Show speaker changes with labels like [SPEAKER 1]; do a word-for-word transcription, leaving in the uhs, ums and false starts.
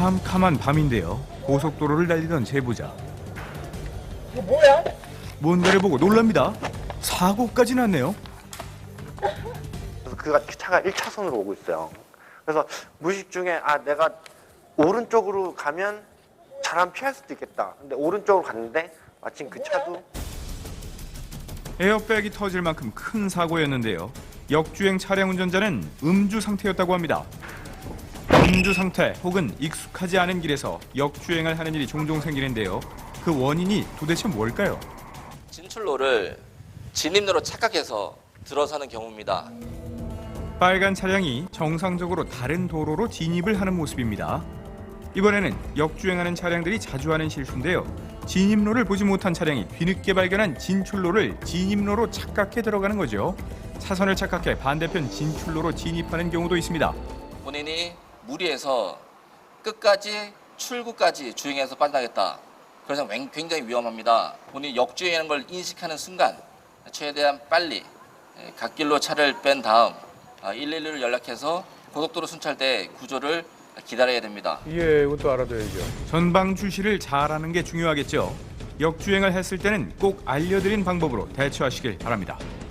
[SPEAKER 1] 캄캄한 밤인데요. 고속도로를 달리던 제보자.
[SPEAKER 2] 이거 뭐야?
[SPEAKER 1] 뭔가를 보고 놀랍니다. 사고까지 났네요.
[SPEAKER 3] 그래서 그가 차가 일 차선으로 오고 있어요. 그래서 무의식 중에 아 내가 오른쪽으로 가면 잘하면 피할 수도 있겠다. 근데 오른쪽으로 갔는데 마침 그 차도
[SPEAKER 1] 에어백이 터질 만큼 큰 사고였는데요. 역주행 차량 운전자는 음주 상태였다고 합니다. 음주 상태 혹은 익숙하지 않은 길에서 역주행을 하는 일이 종종 생기는데요. 그 원인이 도대체 뭘까요?
[SPEAKER 4] 진출로를 진입로로 착각해서 들어서는 경우입니다.
[SPEAKER 1] 빨간 차량이 정상적으로 다른 도로로 진입을 하는 모습입니다. 이번에는 역주행하는 차량들이 자주 하는 실수인데요. 진입로를 보지 못한 차량이 뒤늦게 발견한 진출로를 진입로로 착각해 들어가는 거죠. 차선을 착각해 반대편 진출로로 진입하는 경우도 있습니다.
[SPEAKER 4] 본인이 무리해서 끝까지 출구까지 주행해서 빠져나겠다. 그래서 굉장히 위험합니다. 본인이 역주행하는 걸 인식하는 순간 최대한 빨리 갓길로 차를 뺀 다음 일일이로 연락해서 고속도로 순찰대 구조를 기다려야 됩니다.
[SPEAKER 5] 예, 이것도 알아둬야죠.
[SPEAKER 1] 전방 주시를 잘하는 게 중요하겠죠. 역주행을 했을 때는 꼭 알려드린 방법으로 대처하시길 바랍니다.